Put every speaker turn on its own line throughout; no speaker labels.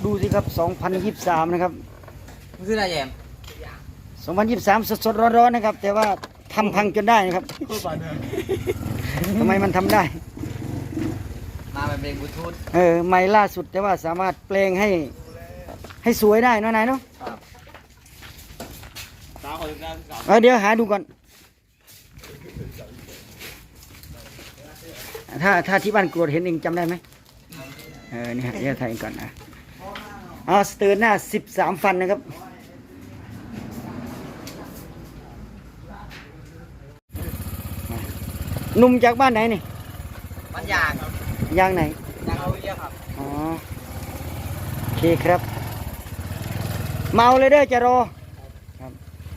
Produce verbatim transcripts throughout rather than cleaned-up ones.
ดูสิครับสองพันยี่สิบสามนะครับ
มันคืออะไรแยม
สองพันยี่สิบสามสดๆร้อนๆนะครับแต่ว่าทำพังจนได้นะครับทำไมมันทำได้
มาเป็นเพลงบลูทูธ
เออใหม่ล่าสุดแต่ว่าสามารถแปลงให้ให้สวยได้นะนายเนาะเออเดี๋ยวหาดูก่อนถ้าถ้าที่บ้านกรวดเห็นเองจำได้ไหมเออนี่ฮะเดี๋ยวถ่ายก่อนนะเอาสเตอร์หน้าสิบสามฟันนะครับหนุ่มจากบ้านไหนนี่
บ้านยาง
ยางไหน
ยางเอาเยอะครับ
อ๋อโอเคครับเมาเลยเด้อจะรอครับ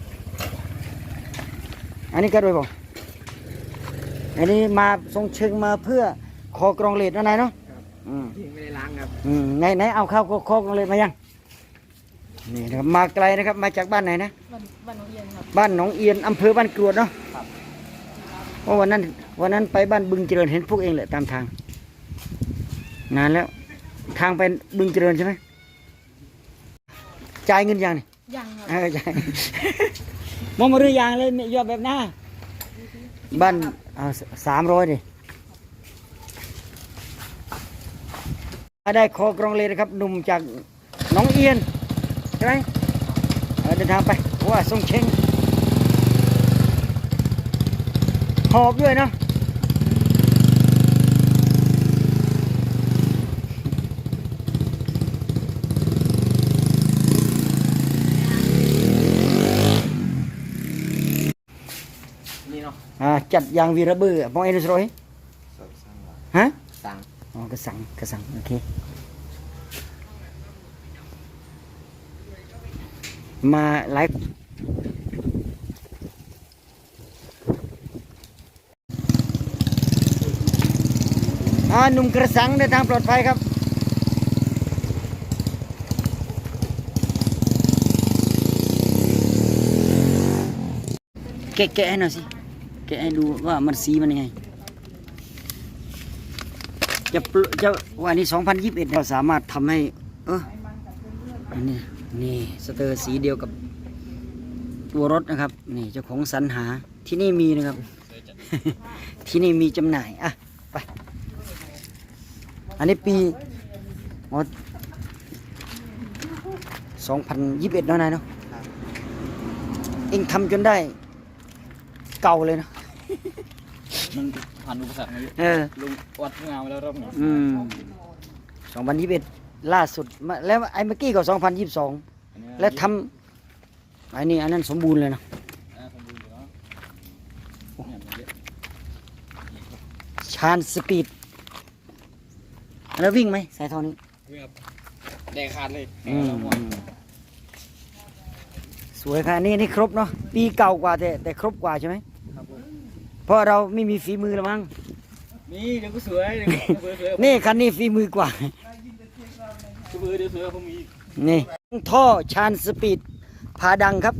อันนี้ก็ด้วยบอกอันนี้มาทรงเชิงมาเพื่อคอกรองเลดนะนายเนาะอืม
ไม่ได้ล้างครับ
อืมไหนไหนเอาเข้าคอกรองเลดมายังนี่นะครับมาไกลนะครับมาจากบ้านไหนนะ
บ้านหนองเอียนครับ
บ้านหนองเอียนอำเภอบ้านกรวดเนาะเพราะวันนั้นวันนั้นไปบ้านบึงเจริญเห็นพวกเองแหละตามทางนานแล้วทางไปบึงเจริญใช่ไหมจ่ายเงินยังนี่
ยังครับ
เออจ่ายมองมาเรือยางเลยยอดแบบหน้าบ้านเอาสามร้อยดิได้คอกรองเลยนะครับหนุ่มจากหนองเอียนใช่ไหมเดินทางไปว่าทรงเชงหอบด้วยเนาะ
นี่เนาะ
อ่าจัดยางวีระเบือมองเอ็นสโรยฮะ
สั่ง
อ๋อกระสังกระสังโอเคมาไลฟ์อ่าหนุ่มกระสังเดินทางปลอดภัยครับแกะแกะให้หน่อยสิแกะให้ดูว่ามันสีมันยังไงจะจะวันนี้สองพันยี่สิบเอ็ดเราสามารถทำให้เอออันนี้นี่สเตอร์สีเดียวกับตัวรถนะครับนี่เจ้าของสรรหาที่นี่มีนะครับ ที่นี่มีจำหน่ายอ่ะไปอันนี้ปีสองพันยี่สิบเอ็ดแล้วนายเนาะเองทำจนได้เก่าเลยเนาะ
มันผ่านอุปสรรคมาเยอะ
เออ
ลุงวัดงานมาแล้วรอบหนึ่ง
อืมสองพันยี่สิบเอ็ดล่าสุดแล้วไอ้เมื่อกี้ก็สองพันยี่สิบสองแล้วทำไอ้นี่อันนั้นสมบูรณ์เลยนะชานสปีดแล้ววิ่งไหมสายทอนี้
วิ่งครับแดงขาดเลย
สวยค่ะนี่นี่ครบเนาะปีเก่ากว่าแต่แต่ครบกว่าใช่ไหม
ครับผม
เพราะเราไม่มีฝีมือแล้วมั้ง
นี่เดี๋ยวก็สวย
นี่คันนี้ฝีมือกว่า
สวยเดี๋ยวสวยผมมี
นี่ท่อชานสปีดพาดังครับ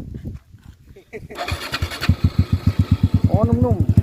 โอ้นุ่มๆ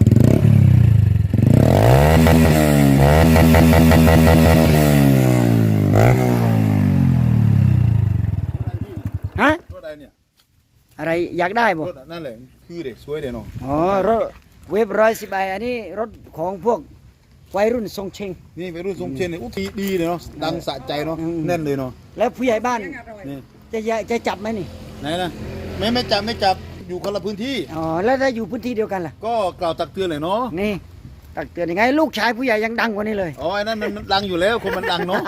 ฮะ
รถอะไรเนี่ย
อะไรอยากได้บ่
รถนั่นแหละคือเด็กสวยเด็กเนาะ
อ๋อรถเวฟร้อยสิบใบอันนี้รถของพวกวัยรุ่นทรงเชง
นี่วัยรุ่นทรงเชงเนี่ยอุ้ยดีเลยเนาะดังสะใจเนาะแน่นเลยเนาะ
แล้วผู้ใหญ่บ้านนี่จะจะจับไหมนี่
ไหนนะไม่ไม่จับไม่จับอยู่คนละพื้นที่
อ๋อแล้วถ้าอยู่พื้นที่เดียวกันล่ะ
ก็กล่าวตักเตือนเลยเนาะ
นี่ตักเตือนยังไงลูกชายผู้ใหญ่ยังดังกว่านี้เลย
อ๋อไอ้นั่นมันดังอยู่แล้วคนมันดังเนาะ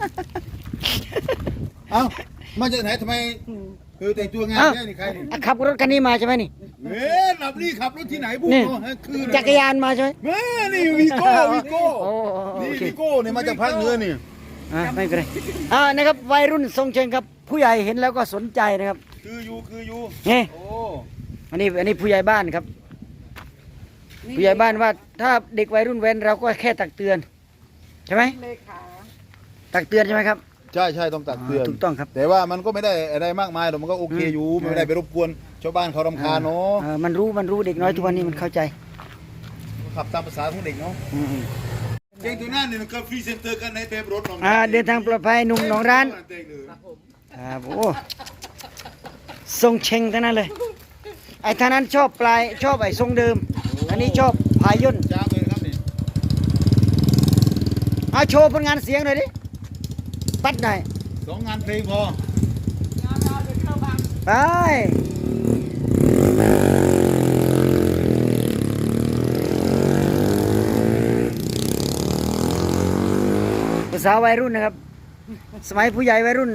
เอ้ามาจากไหนทำไมเออแต่งตัวงานแค่นี่ใครนี่
ขับรถคันนี้มาใช่ไหมนี่
เอ๊ะขับนี่ขับรถที่ไหนพูดเนาะ
คือจักรยานมาใช่ไหม
แม่นี่วีโก้วีโก้นี่วีโก้เนี่ยมาจากภาคเหนือนี่
อ่าไม่เป็นไรอ่านะครับวัยรุ่นทรงเชงครับผู้ใหญ่เห็นแล้วก็สนใจนะครับ
คืออยู่คืออยู่
นี่โอ้อันนี้อันนี้ผู้ใหญ่บ้านครับผู้ใหญ่บ้านว่าถ้าเด็กวัยรุ่นเว้นเราก็แค่ตักเตือนใช่ไหมตักเตือนใช่ไหมครับ
ใช่ใช่ต้องตักเตือน
ถูกต้องครับ
แต่ว่ามันก็ไม่ได้อะไรมากมายหรอกมันก็โอเคอยู่ไม่ได้ไปรบกวนชาวบ้านเขารำคาญเนาะ
มันรู้มันรู้เด็กน้อยทุกวันนี้มันเข้าใจ
ขับตามภาษาของเด็กเนาะ
เอ
งตัวนั้นเนี่ยก็ฟรีเซนเตอร์กันในเต็มรถน้อง
อ่าเดินทางปลอดภัยหนุ่มหนองร้านครับโอ้ทรงเชงทั้งนั้นเลยไอ้ท่านั้นชอบปลายชอบไอ้ทรงเดิม อันนี้ชอบพาย่น
จ้าเลยครับนี่
เอาโชว์ผลงานเสียงหน่อยดิปัดหน่อย
สองงานเพลงพอ
ไปภาษาวัยรุ่นนะครับ สมัยผู้ใหญ่วัยรุ่น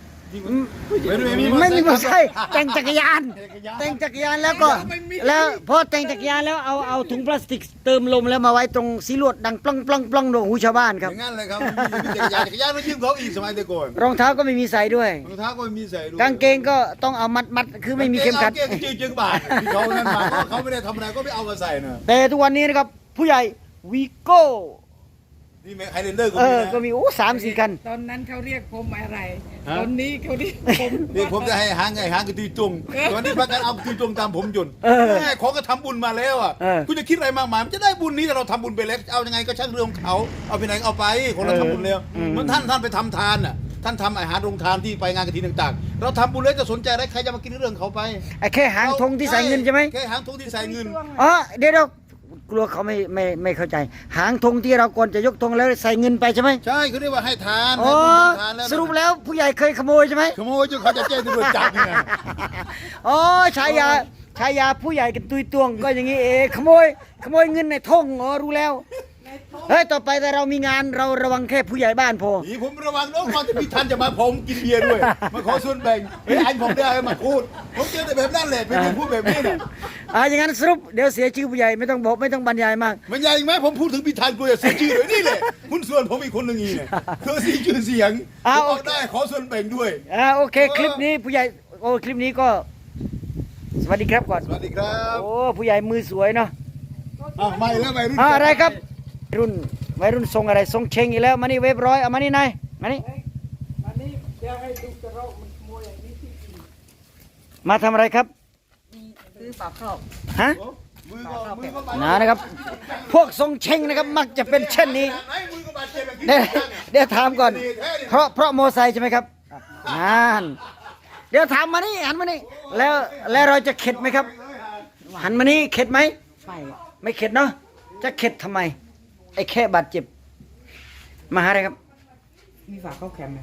ไม่มีมอเตอร์ไซค์แต่งจักรยาน แต่งจักรยานแล้วก็ แล้วพอแต่งจักรยานแล้วเอาเอาถุงพลาสติกเติมลมแล้วมาไว้ตรงสีลวดดังปล้องปล้องปล้องโดนหูชาวบ้านค
อ
รับ
ย่างนั้นเลยครับมีจักรยานจักรยานเรายืมเขาอีกสมัยแต่ก่อน
รองเท้าก็ไม่มีใส่ด้วย
รองเท้าก็ไม่มีใส่ด้วย
กางเกงก็ต้องเอามัดมัดคือไม่มีเข็มขัด
กางเกงจึงจึงบาทที่เขานั่นมาเพราะเขาไม่ได้ทำอะไรก็ไม่เอามาใส่นะ
แต่ทุกวันนี้นะครับ ผู้ใหญ่วีโก้
นี่ไฮเลนเดอร์ก็
เอ
มี
อ
นะ
ก็มีโอ้สามสี่คัน
ตอนนั้นเขาเรียกผมอะไร
ฮะ
ตอนนี้เขาเรียกผม
เดี๋ยวผมจะให้หางไงหางกระตุยจงตอนนี้พากันเอากระตุยจงตามผมจน
เออ
แม่ของก็ทำบุญมาแล้วอ่ะ
เออ
คุณจะคิดอะไรมากมายมันจะได้บุญนี้แต่เราทำบุญไปแล้วเอายังไงก็ช่างเรื่องของเขาเอาไปไหนเอาไปของเราทำบุญแล้วเหมือนท่านท่านไปทำทานอ่ะท่านทำอาหารโรงทานที่ไปงานกฐินต่างๆ เราทำบุญแล้วจะสนใจอะไรใครจะมากินเรื่องเขาไป
ไอ้แค่หางธงที่ใส่เงินใช่ไหม
แค่หางธงที่ใส่เงิน
อ๋อเดี๋ยวเรากลัวเขาไม่ไม่ไม่เข้าใจ หางธงที่เราก่อนจะยกธงแล้วใส่เงินไปใช่ไหม
ใช่เขาเรียกว่าให้ทาน
อ๋อ
ให้บุญให้ทานแล้ว
สรุปแล้วผู้ใหญ่เคยขโมยใช่ไหม
ขโมยจนเขาจะแจ้งตำรวจจับนี่ไง
อ๋อชายาชายาผู้ใหญ่กันตุยตวงก็อย่างนี้เองขโมยขโมยเงินในธงอ๋อรู้แล้วเฮ้ยต่อไปแต่เรามีงานเราระวังแค่ผู้ใหญ่บ้านพอ
นี่ผมระวังน้องก่อนจะมีท่านจะมาผมกินเบียร์ด้วย มาขอส่วนแบ่งเฮ้ยอันผมได้มาพูดผมเจอแต่แบบนั้นแหละเป็นคนพูดแบบนี้เนี่ย
อ่าอย่างนั้นสรุปเดี๋ยวเสียชื่อผู้ใหญ่ไม่ต้องบอกไม่ต้องบรรยายมาก
มันใหญ่ไหมผมพูดถึงพิธานกลัวจะเสียชื่อเลยนี่แหละคุณส่วนผมอีกคนหนึ่งอีเนี่ยเธอเสียชื่อเสียงผมเอาได้ขอส่วนแบ่งด้วย
อ่าโอเคคลิปนี้ผู้ใหญ่โอ้คลิปนี้ก็ สวัสดีครับก่อน
สวัสดีครับ
โอ้ผู้ใหญ่มือสวยเนาะ
อ่ะไม่แล้วไม่รุ่น
อ่าอะไรครับรุ่นวัยรุ่นทรงอะไรทรงเชงอีกแล้วมานี่เว็บร้อยเอามานี่นายมานี่
อันนี้เดี๋ยวให้ดูกระรอกมันขโมยอย่างนี้ที่กิน
มาทำอะไรครับ
ซื้อฝากครอบ
ฮะ
มือก็มือก็บาด
นะนะครับ พวกทรงเชงนะครับมักจะเป็นเช่นนี้
ไหนมือก็บาดเจ็บแบบนี้
เดี๋ยวเดี๋ยวถามก่อน เพราะเพราะโมอไซค์ใช่ไหมครับนั่นเดี๋ยวถามมานี่หันมานี่แล้วแล้วเราจะเข็ดไหมครับ หันมานี่เข็ดไหม
ไม่
ไม่เข็ดเนาะจะเข็ดทำไม ไอ้แค่บาดเจ็บ มาหาอะไรครับ
มีฝากเข้าแคมป์ไหม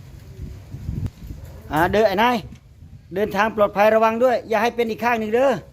อ่าเดินไอ้นายเดินทางปลอดภัยระวังด้วย อย่าให้เป็นอีกข้างหนึ่งเด้อ